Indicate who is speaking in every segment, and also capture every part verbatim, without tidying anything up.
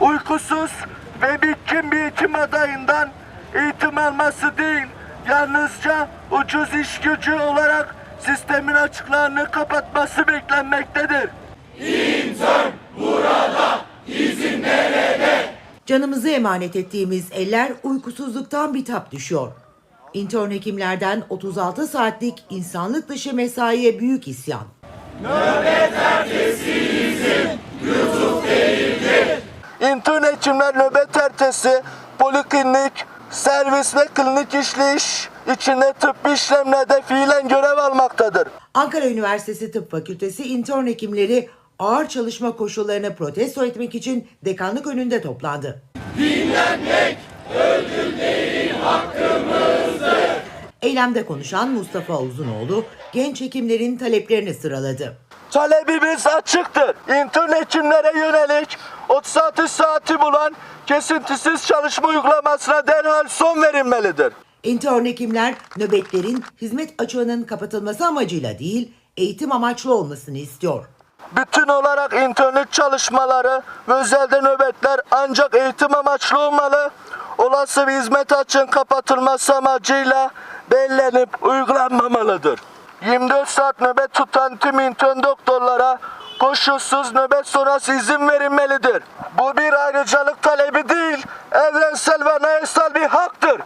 Speaker 1: uykusuz ve bitkin bir eğitim adayından eğitim alması değil, yalnızca ucuz iş gücü olarak sistemin açıklarını kapatması beklenmektedir.
Speaker 2: İntern burada, izin nerede?
Speaker 3: Canımızı emanet ettiğimiz eller uykusuzluktan bitap düşüyor. İntern hekimlerden otuz altı saatlik insanlık dışı mesaiye büyük isyan.
Speaker 2: Nöbet ertesi izin lütuf değildir.
Speaker 1: İntern hekimler nöbet ertesi poliklinik, servis ve klinik işleyiş içinde tıbbi işlemlerde fiilen görev almaktadır.
Speaker 3: Ankara Üniversitesi Tıp Fakültesi intern hekimleri ağır çalışma koşullarını protesto etmek için dekanlık önünde toplandı.
Speaker 2: Dinlenmek ödül değil hakkımızdır.
Speaker 3: Eylemde konuşan Mustafa Uzunoğlu genç hekimlerin taleplerini sıraladı.
Speaker 1: Talebimiz açıktır. İntern hekimlere yönelik otuz altı saati bulan kesintisiz çalışma uygulamasına derhal son verilmelidir.
Speaker 3: İntern hekimler nöbetlerin hizmet açığının kapatılması amacıyla değil, eğitim amaçlı olmasını istiyor.
Speaker 1: Bütün olarak internlik çalışmaları ve özelde nöbetler ancak eğitim amaçlı olmalı. Olası bir hizmet açığın kapatılması amacıyla belirlenip uygulanmamalıdır. yirmi dört saat nöbet tutan tüm intern doktorlara koşulsuz nöbet sonrası izin verilmelidir. Bu bir ayrıcalık talebi değil, evrensel ve anayasal bir haktır.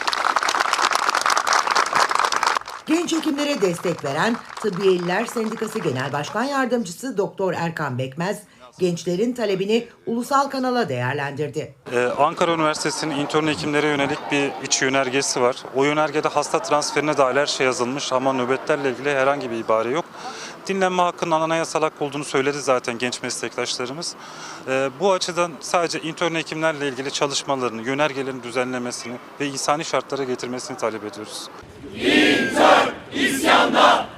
Speaker 3: Genç hekimlere destek veren Tıbbiyeliler Sendikası Genel Başkan Yardımcısı Doktor Erkan Bekmez, gençlerin talebini ulusal kanala değerlendirdi.
Speaker 4: Ee, Ankara Üniversitesi'nin intern hekimlere yönelik bir iç yönergesi var. O yönergede hasta transferine dair her şey yazılmış ama nöbetlerle ilgili herhangi bir ibare yok. Dinlenme hakkının anayasal hak olduğunu söyledi zaten genç meslektaşlarımız. Ee, bu açıdan sadece intern hekimlerle ilgili çalışmalarını, yönergelerin düzenlemesini ve insani şartlara getirmesini talep ediyoruz.
Speaker 2: İntern isyanda.